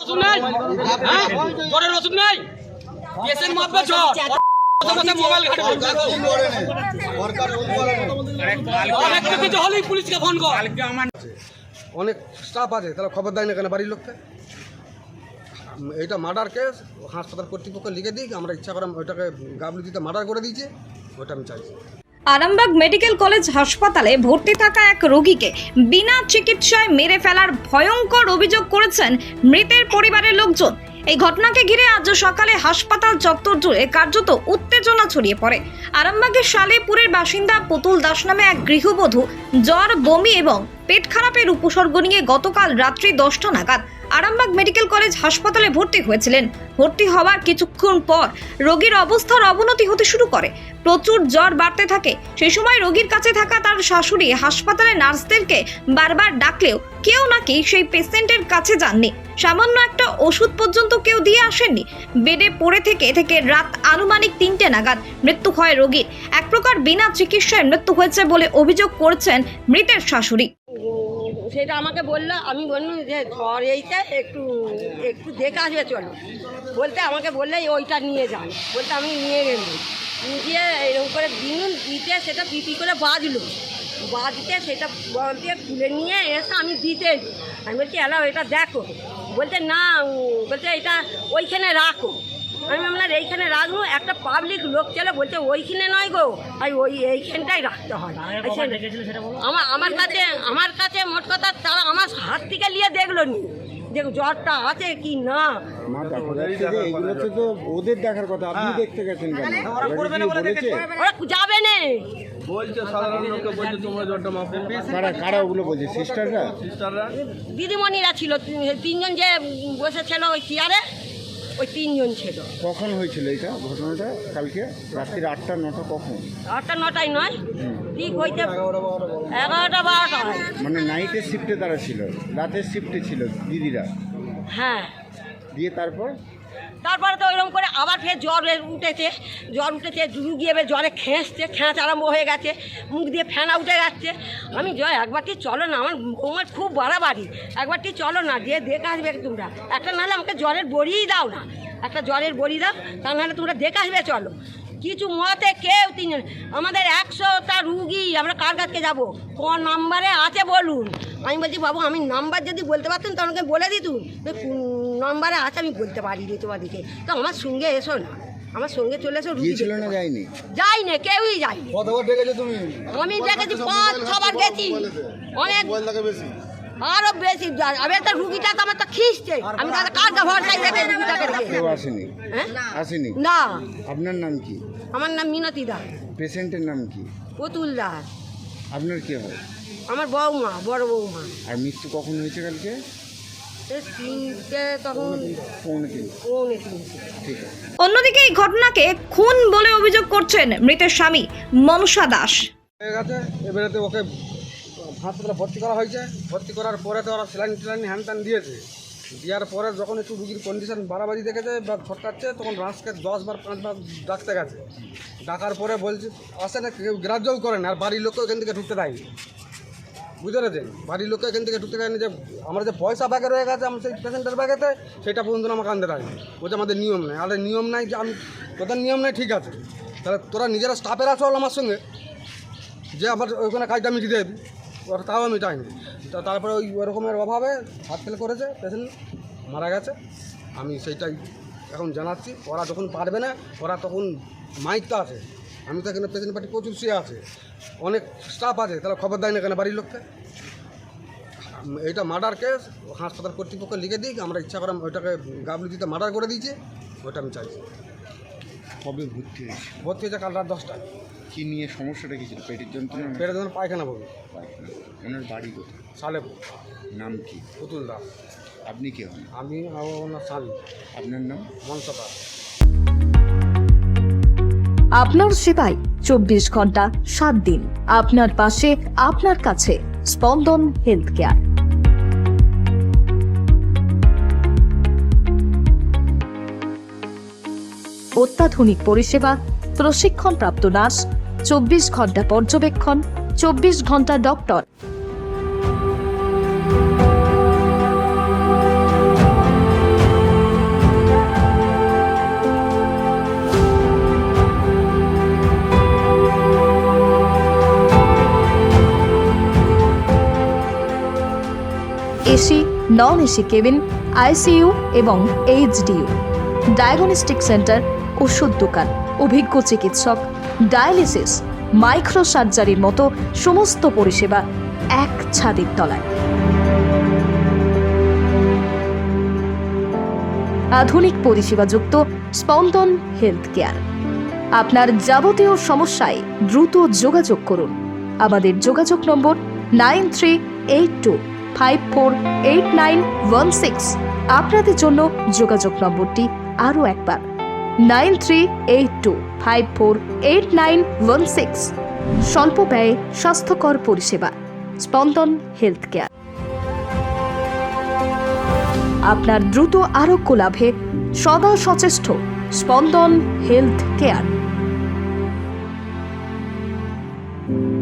ওষুধ নাই, জ্বরের ওষুধ নাই, কেসের মাপবে জ্বর, মোবাইল ঘাটে কিছু হলেই পুলিশকে ফোন কর। অনেক স্টাফ আছে, তাহলে খবর দেয় না কেন বাড়ির লোককে? এইটা মার্ডার কেস, হাসপাতাল কর্তৃপক্ষ লিখে দিই, আমরা ইচ্ছা করে ওইটাকে গাবলুতিতে মার্ডার করে দিয়েছে, ওইটা আমি চাইছি। আরামবাগ মেডিকেল কলেজ হাসপাতালে ভর্তি থাকা এক রোগীকে বিনা চিকিৎসায় মেরে ফেলার ভয়ঙ্কর অভিযোগ করেছেন মৃতের পরিবারের লোকজন। এই ঘটনাকে ঘিরে আজ সকালে হাসপাতাল চত্বর জুড়ে কার্যত উত্তেজনা ছড়িয়ে পড়ে। আরামবাগের সালেপুরের বাসিন্দা পুতুল দাস নামে এক গৃহবধূ জ্বর, বমি এবং পেট খারাপের উপসর্গ নিয়ে গতকাল রাত্রি 10টা নাগাদ আরামবাগ মেডিকেল কলেজ হাসপাতালে ভর্তি হয়েছিলেন। ভর্তি হওয়ার কিছুক্ষণ পর রোগীর অবস্থার অবনতি হতে শুরু করে, প্রচুর জ্বর বাড়তে থাকে। সেই সময় রোগীর কাছে থাকা তার শাশুড়ি হাসপাতালে নার্সদেরকে বারবার ডাকলেও কেউ নাকি সেই পেশেন্টের কাছে যাননি। সামান্য একটা ওষুধ পর্যন্ত কেউ দিয়ে আসেননি। বেডে পড়ে থেকে রাত আনুমানিক 3টে নাগাদ মৃত্যু হয় রোগীর। এক প্রকার বিনা চিকিৎসায় মৃত্যু হয়েছে বলে অভিযোগ করেছেন মৃতের শাশুড়ি। সেটা আমাকে বললো, আমি বললাম যে জ্বর এইটা একটু দেখে আসবে চলো বলতে, আমাকে বললে ওইটা নিয়ে যান বলতে আমি নিয়ে গেলাম। নিয়ে এরকম করে দিতে সেটা পিপি করে বাজতে সেটা বলতে খুলে নিয়ে এসে আমি দিতে, আমি বলছি এলাও এটা দেখো, বলতে না, বলছে এটা ওইখানে রাখো। আমি আপনার এইখানে রাখবো, একটা পাবলিক লোক চলে বলছে ওইখানে নয় গো, আর এইখানটাই রাখতে হয়। আমার কাছে মোট কথা তারা আমার হাত থেকে নিয়ে দেখলো নি যে জ্বরটা আছে কি না। ওদের দেখার কথা, আপনি দেখতে গেছেন কেন? ওরা যাবে না বলছে সাধারণ লোককে, বলছে তোমরা জ্বরটা মাপো। কারা ওগুলো বলছে? সিস্টাররা দিদিমণিরা ছিল, 3জন যে বসেছিল ওই চেয়ারে, ওই 3জন ছিল। কখন হয়েছিল এটা ঘটনাটা? কালকে রাত্রি 8টা 9টা? কখন? 8টা 9টায় নয়, ঠিক হইতে 11টা 12টা। মানে নাইটের শিফটে তারা ছিল, রাতের শিফটে ছিল দিদিরা। হ্যাঁ, দিয়ে তারপরে তো ওইরকম করে আবার ফের জ্বর উঠেছে, রুগী এবার জ্বরে খেঁচ আরম্ভ হয়ে গেছে, মুখ দিয়ে ফেনা উঠে যাচ্ছে। আমি একবারটি চলো না, আমার খুব বাড়াবাড়ি, একবারটি চলো না, দিয়ে দেখে আসবে তোমরা একটা, নাহলে আমাকে জ্বরের বড়িই দাও না, একটা জ্বরের বড়ি দাও, তা নাহলে তোমরা দেখে আসবে চলো। কিছু মতে কেউ 3জন, আমাদের 100টা রুগী, আমরা কার কাছে যাবো? কোন নাম্বারে আছে বলুন। আমি বলছি বাবু আমি নাম্বার যদি বলতে পারতেন তো আমাকে বলে দিতুন, কোন নাম্বারে আছে আমি বলতে পারিনি তোমাদেরকে, তো আমার সঙ্গে এসো না, আমার সঙ্গে চলে এসো। রুগী ছিল না? যাইনি, কেউই যায়নি। কতবার ডেকেছো তুমি? আমি দেখেছি 5-6বার গেছি, অনেক আরো বেশি। আমি একটা রুগীটা তো আমার তো খিস্টে, আমি তাহলে কার ভরসায় দেখে রুগীটাকে আসেনি না। আপনার নাম কি? আমার নাম মিনতি দাস। পেশেন্টের নাম কি? পুতুল দাস। আপনার কি হয়? আমার বউমা, বড় বউমা। আর মৃত্যু কখন হয়েছে কালকে? 3টে, তখন 3:15। ঠিক আছে। অন্যদিকে এই ঘটনাকে খুন বলে অভিযোগ করছেন মৃতের স্বামী মনসা দাস। হয়ে গেছে, এবারে তো ওকে হাসপাতালে ভর্তি করা হয়েছে। ভর্তি করার পরে তো ওরা স্যালাইন হ্যান ত্যান দিয়েছে। দেওয়ার পরে যখন একটু রুগীর কন্ডিশন বাড়াবাড়ি দেখেছে বা ছটকাচ্ছে, তখন রাস্তাকে 10বার 5বার ডাকতে গেছে। ডাকার পরে বলছে আসে না, কেউ গ্রাহ্যও করে না, আর বাড়ির লোককেও এখান থেকে ঢুকতে দেয়নি। বুঝতে পেরেছেন? বাড়ির লোককে এখান থেকে ঢুকতে দেয়নি, যে আমার যে পয়সা ব্যাগে রয়ে গেছে আমার সেই পেশেন্টের ব্যাগেতে, সেটা পর্যন্ত আমাকে আনতে দেয়নি। বলছে আমাদের নিয়ম নেই। আরে নিয়ম নাই, যে আমি তোদের নিয়ম নেই, ঠিক আছে, তাহলে তোরা নিজেরা স্টাফেরা চল আমার সঙ্গে, যে আমার ওইখানে কাজটা মিটিয়ে দেবি, ওরা তাও আমি চাইনি। তারপরে ওই রকমের অভাবে হাত ফেল করেছে, পেশেন্ট মারা গেছে। আমি সেইটাই এখন জানাচ্ছি। ওরা যখন পারবে না, ওরা তখন মাইকটা আছে, আমি তো এখানে পেশেন্ট পার্টি প্রচুর শুয়ে আছে, অনেক স্টাফ আছে, তাহলে খবর দেয় না কেন বাড়ির লোককে? এইটা মার্ডার কেস, হাসপাতাল কর্তৃপক্ষ লিখে দিই, আমরা ইচ্ছা করে ওইটাকে গাবলুতিতে মার্ডার করে দিয়েছে, ওইটা আমি চাইছি। কবে ভর্তি হয়েছে? কাল রাত 10টায়। কি নিয়ে সমস্যাটা কি ছিল? পেটের যন্ত্রণা? পেটের জন্য পায়খানা বলবো। ওনার বাড়ি কোথায়? সালেপুর। নাম কি? পুতুল দাস। আপনি কে হন? আমি ওনার স্বামী। আপনার নাম? মনসা দাস। আপনার সেবায় 24 ঘন্টা 7 দিন, আপনার পাশে, আপনার কাছে। স্পন্দন হেলথ কেয়ার। অত্যাধুনিক পরিষেবা, প্রশিক্ষণপ্রাপ্ত নার্স, 24 ঘন্টা পর্যবেক্ষণ, 24 ঘন্টা doctor. Non AC cabin, ICU এবং এইচডিইউ, ডায়াগনস্টিক সেন্টার, ওষুধ দোকান, অভিজ্ঞ চিকিৎসক, ডায়ালিসিস, মাইক্রো সার্জারির মতো সমস্ত পরিষেবা এক ছাদের তলায়। আধুনিক পরিষেবাযুক্ত স্পন্দন হেলথ কেয়ার। আপনার যাবতীয় সমস্যায় দ্রুত যোগাযোগ করুন। আমাদের যোগাযোগ নম্বর 9382548916। আপনাদের জন্য যোগাযোগ নম্বরটি আরও একবার 9382548916। স্বল্প ব্যয়ে স্বাস্থ্যকর পরিষেবা, স্পন্দন হেলথ কেয়ার। আপনার দ্রুত আরোগ্য লাভে সদা সচেষ্ট স্পন্দন হেলথ কেয়ার।